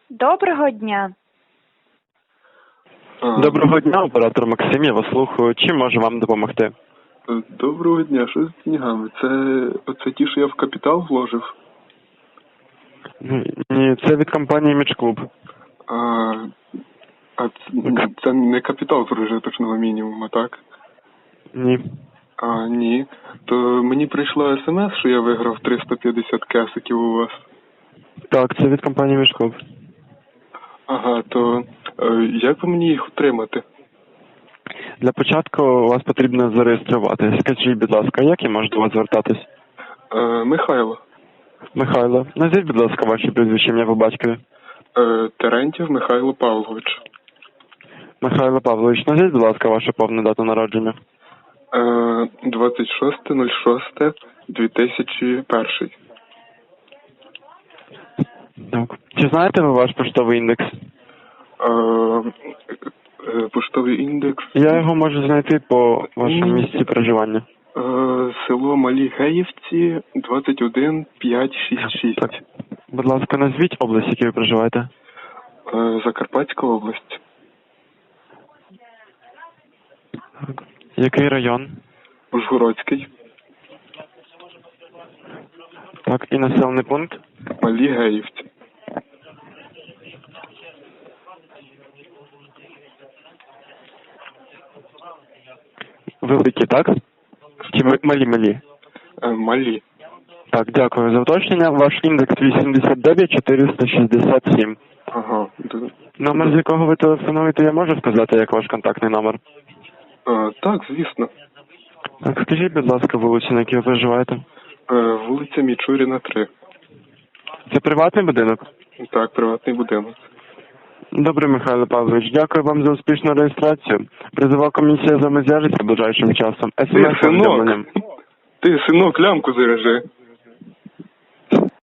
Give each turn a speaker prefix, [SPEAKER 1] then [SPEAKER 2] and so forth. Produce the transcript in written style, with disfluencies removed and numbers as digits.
[SPEAKER 1] Доброго дня.
[SPEAKER 2] Доброго дня, оператор Максим, я вас слухаю. Чим можу вам допомогти?
[SPEAKER 3] Доброго дня, що з деньгами? Це ті, що я в капітал вложив?
[SPEAKER 2] Ні, це від компанії Мічклуб.
[SPEAKER 3] Це не капітал прожиточного мінімуму, так?
[SPEAKER 2] Ні.
[SPEAKER 3] Ні. То мені прийшло смс, що я виграв 350 кесиків у вас.
[SPEAKER 2] Так, це від компанії Мічклуб.
[SPEAKER 3] Ага, то як би мені їх отримати?
[SPEAKER 2] Для початку вас потрібно зареєструвати. Скажіть, будь ласка, як я можу до вас звертатись?
[SPEAKER 3] Михайло.
[SPEAKER 2] Михайло, назвіть, будь ласка, ваше прізвище, ім'я по батькові.
[SPEAKER 3] Терентьєв Михайло Павлович.
[SPEAKER 2] Михайло Павлович, назвіть, будь ласка, вашу повну дату народження.
[SPEAKER 3] 26.06.2001.
[SPEAKER 2] Так. Чи знаєте ви ваш поштовий індекс?
[SPEAKER 3] Поштовий індекс.
[SPEAKER 2] Я його можу знайти по вашому місці проживання.
[SPEAKER 3] Село Малі Геївці, 21566.
[SPEAKER 2] Так. Будь ласка, назвіть область, в якій ви проживаєте.
[SPEAKER 3] Закарпатська область.
[SPEAKER 2] Так. Який район?
[SPEAKER 3] Ужгородський.
[SPEAKER 2] Так, і населений пункт?
[SPEAKER 3] Малі Геївці.
[SPEAKER 2] Великі, так? Чи малі?
[SPEAKER 3] Малі.
[SPEAKER 2] Так, дякую за уточнення. Ваш індекс 89467.
[SPEAKER 3] Ага.
[SPEAKER 2] Номер, з якого ви телефонуєте, я можу сказати, як ваш контактний номер?
[SPEAKER 3] Так, звісно.
[SPEAKER 2] Так, скажіть, будь ласка, вулицю, на якій ви проживаєте?
[SPEAKER 3] Вулиця Мічуріна, 3.
[SPEAKER 2] Це приватний будинок?
[SPEAKER 3] Так, приватний будинок.
[SPEAKER 2] Добре, Михайло Павлович, дякую вам за успішну реєстрацію. Призова комісія з вами зв'яжеться ближайшим часом.
[SPEAKER 3] Ти, синок, лямку заряжи.